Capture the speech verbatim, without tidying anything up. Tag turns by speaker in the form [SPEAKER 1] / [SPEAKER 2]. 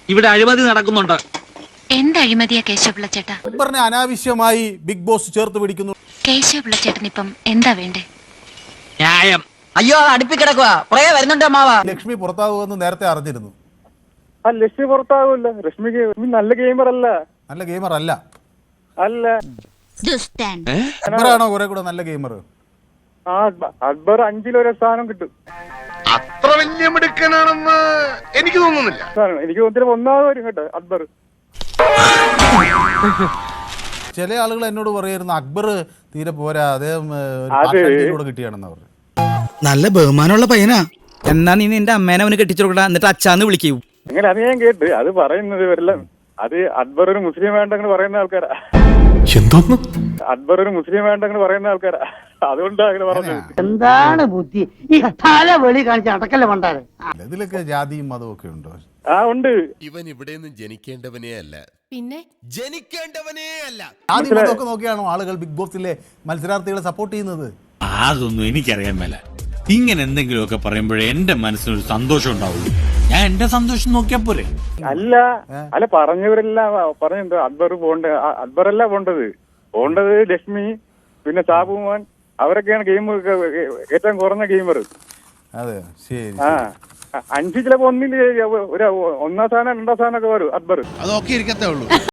[SPEAKER 1] ഇവിടെ അഴിമതി നടക്കുന്നുണ്ട്.
[SPEAKER 2] എന്ത് അഴിമതിയാ കേശവപിള്ള ചേട്ടാ?
[SPEAKER 3] അക്ബറിനെ അനാവശ്യമായി ബിഗ് ബോസ് ചേർത്ത് പിടിക്കുന്നു.
[SPEAKER 2] കേശവപിള്ള ചേട്ടൻ ഇപ്പം എന്താ വേണ്ടേ?
[SPEAKER 1] ന്യായം.
[SPEAKER 4] അയ്യോ അടുപ്പി കിടക്കുക വരുന്നുണ്ട് അമ്മാവ.
[SPEAKER 3] ലക്ഷ്മി പുറത്താകുമെന്ന് നേരത്തെ അറിഞ്ഞിരുന്നു.
[SPEAKER 5] ആ ലക്ഷ്മി പുറത്താകൂല. രശ്മി നല്ല ഗെയിമർ അല്ല.
[SPEAKER 3] നല്ല ഗെയിമർ അല്ല.
[SPEAKER 5] അല്ല
[SPEAKER 3] അക്ബറാണോ കുറെ കൂടെ നല്ല ഗെയിമർ?
[SPEAKER 5] ആ അക്ബർ അഞ്ചിലൊരു സ്ഥാനം കിട്ടും.
[SPEAKER 6] അത്ര വലിയ മിടുക്കനാണെന്ന് എനിക്ക് തോന്നുന്നില്ല.
[SPEAKER 5] എനിക്ക് തോന്നുന്നു ഒന്നാമത് വരും കേട്ടോ അക്ബർ.
[SPEAKER 3] ചില ആളുകൾ എന്നോട് പറയായിരുന്നു അക്ബർ തീരെ പോരാ, അദ്ദേഹം കിട്ടിയാണെന്ന് പറഞ്ഞു.
[SPEAKER 7] നല്ല ബഹുമാനമുള്ള പയ്യനാ. എന്നാ നീ നിന്റെ അമ്മേനെ അവന് കെട്ടിച്ചു കൊടുക്കടാ, എന്നിട്ട് അച്ഛാന്ന് വിളിക്കൂ.
[SPEAKER 5] അങ്ങനെ അത് ഞാൻ കേട്ട്. അത് പറയുന്നത് ഇവരെല്ലാം അത് അക്ബർ ഒരു മുസ്ലിം വേണ്ടെന്ന് പറയുന്ന ആൾക്കാരാ.
[SPEAKER 6] എന്തോന്ന്
[SPEAKER 5] അക്ബർ ഒരു മുസ്ലിം വേണ്ടെന്ന് പറയുന്ന ആൾക്കാരാ. അതുകൊണ്ടാ അങ്ങനെ പറഞ്ഞത്.
[SPEAKER 8] എന്താണ് ബുദ്ധി ഈ തല വെളി കാണിച്ച അടക്കല്ല പണ്ടാണ്.
[SPEAKER 3] ഇതിലൊക്കെ ജാതിയും മതവും ഒക്കെ ഉണ്ടോ?
[SPEAKER 5] ആ ഉണ്ട്.
[SPEAKER 6] ഇവൻ ഇവിടെ നിന്ന് ജനിക്കേണ്ടവനേ അല്ല, പിന്നെ ജനിക്കേണ്ടവനേ അല്ല.
[SPEAKER 3] ജാതി മതമൊക്കെ നോക്കിയാണോ ആളുകൾ ബിഗ് ബോസിലെ മത്സരാർത്ഥികളെ സപ്പോർട്ട് ചെയ്യുന്നത്?
[SPEAKER 9] അതൊന്നും എനിക്കറിയാൻ മേല. ഇങ്ങനെ എന്തെങ്കിലുമൊക്കെ പറയുമ്പോഴേ എന്റെ മനസ്സിനൊരു സന്തോഷം ഉണ്ടാവുള്ളൂ. ഞാൻ എന്റെ സന്തോഷം നോക്കിയാ പോരെ.
[SPEAKER 5] അല്ല അല്ല പറഞ്ഞവരെല്ലാം പറഞ്ഞെന്തോ അക്ബർ പോണ്ട. അക്ബറല്ല പോണ്ടത്. പോണ്ടത് ലക്ഷ്മി, പിന്നെ സാബുമാൻ, അവരൊക്കെയാണ് ഗെയിം ഏറ്റവും കുറഞ്ഞ ഗെയിമർ.
[SPEAKER 3] അതെ ശരി.
[SPEAKER 5] ആ അഞ്ച് ചിലപ്പോ ഒന്നില് ഒരു ഒന്നാം സ്ഥാനം രണ്ടാം സ്ഥാനം ഒക്കെ വരും അക്ബർ.
[SPEAKER 6] അതൊക്കെ ഇരിക്കത്തേ ഉള്ളൂ.